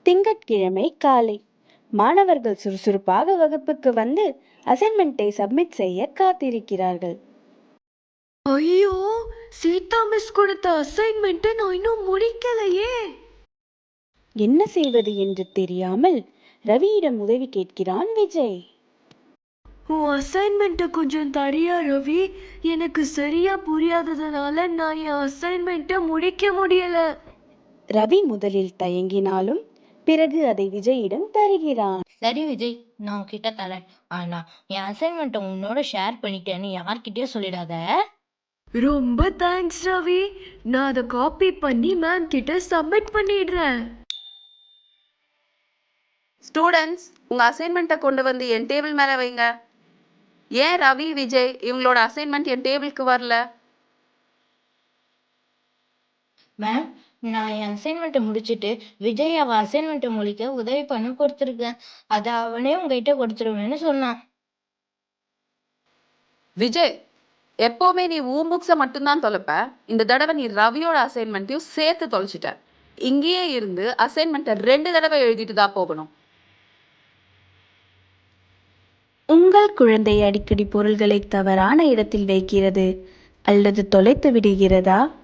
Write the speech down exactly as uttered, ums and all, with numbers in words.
திங்கட்கிழமை காலை மாணவர்கள் சுறுசுறுப்பாக வகுப்புக்கு வந்து அசைன்மெண்ட்டை சப்மிட் செய்ய காத்திருக்கிறார்கள். ஐயோ, சீதா மிஸ் கொடுத்த அசைன்மெண்ட்டை நான் இன்னும் முடிக்கலையே. என்ன செய்வது என்று தெரியாமல் ரவியிடம் உதவி கேட்கிறான் விஜய். உன் அசைன்மெண்ட்டை கொஞ்சம் தரியா ரவி? எனக்கு சரியா புரியாததுனால நான் என் அசைன்மெண்ட்டை முடிக்க முடியல. ரவி முதலில் தயங்கினாலும் பிறகு அதை விஜயிடம் தருகிறான். சரி விஜய், நான் உன்கிட்ட தரேன். ஆனா என் அசைன்மெண்ட்டை உன்னோட ஷேர் பண்ணிட்டேன்னு யார்கிட்டயும் சொல்லிடாத. ரொம்ப தேங்க்ஸ் ரவி. நான் அதை காப்பி பண்ணி மேம் கிட்ட சப்மிட் பண்ணிடுறேன். ஸ்டூடெண்ட்ஸ், உங்க அசைன்மெண்ட்டை கொண்டு வந்து என் டேபிள் மேல வைங்க. ஏன் ரவி, விஜய் இவங்களோட அசைன்மெண்ட் என் டேபிளுக்கு வரல? மேம், நான் என் அசைன்மெண்ட்டை முடிச்சுட்டு விஜய் அவன் அசைன்மெண்ட்டை முடிக்க உதவி பண்ண கொடுத்துருக்கேன். அதை அவனே உங்ககிட்ட கொடுத்துருவேன்னு சொன்னான். விஜய், எப்போவுமே நீ உன் புக்ஸை மட்டும்தான் தொலைப்ப. இந்த தடவை நீ ரவியோட அசைன்மெண்ட்டையும் சேர்த்து தொலைச்சிட்ட. இங்கேயே இருந்து அசைன்மெண்ட்டை ரெண்டு தடவை எழுதிட்டு தான் போகணும். உங்கள் குழந்தை அடிக்கடி பொருள்களை தவறான இடத்தில் வைக்கிறது அல்லது தொலைத்து விடுகிறதா?